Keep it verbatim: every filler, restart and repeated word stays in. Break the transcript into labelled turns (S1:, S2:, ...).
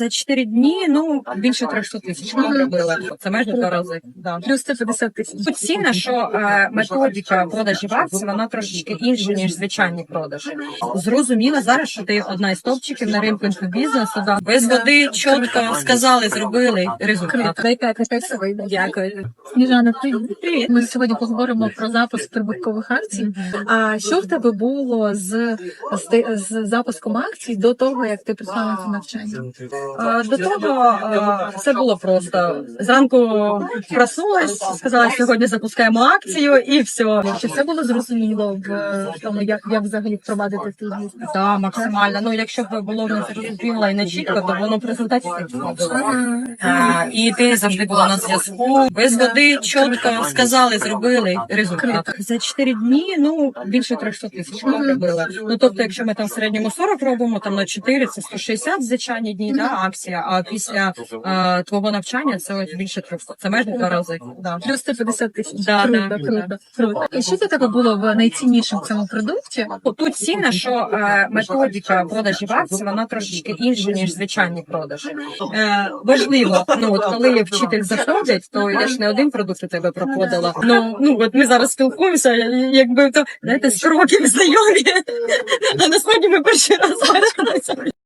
S1: За чотири дні, ну, більше трьохсот тисяч ми зробили. Це майже два рази. Да.
S2: Плюс сто п'ятдесят тисяч.
S1: Тут ціна, що е, методика продажів акцій, вона трошечки інша, ніж звичайні продажі. Зрозуміла зараз, що ти одна із топчиків на ринку інфобізнесу. Да. Без води чітко сказали, зробили результат.
S2: Яка це вийде?
S1: Дякую.
S2: Сніжана, привіт. Ми сьогодні поговоримо про запуск прибуткових акцій. А що в тебе було з, з, з запуском акцій до того, як ти прийшла на це навчання?
S1: Е, До того е, все було просто. Зранку проснулась, сказала, сьогодні запускаємо акцію і все.
S2: Чи все було зрозуміло в тому, як, як взагалі впровадити твій бізнес?
S1: Так, максимально. Ну, якщо б було не зрозуміло і не чітко, то воно в результаті не було. А, і ти завжди була на зв'язку. Без води чітко сказали, зробили результат. За чотири дні, ну, більше трьохсот тисяч ми зробили. Ну, тобто, якщо ми там в середньому сорок робимо, там на чотири, це сто шістдесят звичайні дні, да, акція, а після а, твого навчання це ось більше трьохсот. Це майже два рази. Да.
S2: Плюс сто п'ятдесят тисяч.
S1: Да,
S2: Круто,
S1: да,
S2: круто,
S1: да.
S2: круто. І що для тебе було в найціннішим в цьому продукті?
S1: Тут ціна, що е, методика продажів акцій, вона трошечки інша, ніж звичайні продажі. Е, важливо, ну от коли вчитель заходить, то я ж не один продукт у тебе проходила. Ну, ну от ми зараз спілкуємося, якби то знаєте, з кроків знайомі, а насправді ми перший раз бачилися.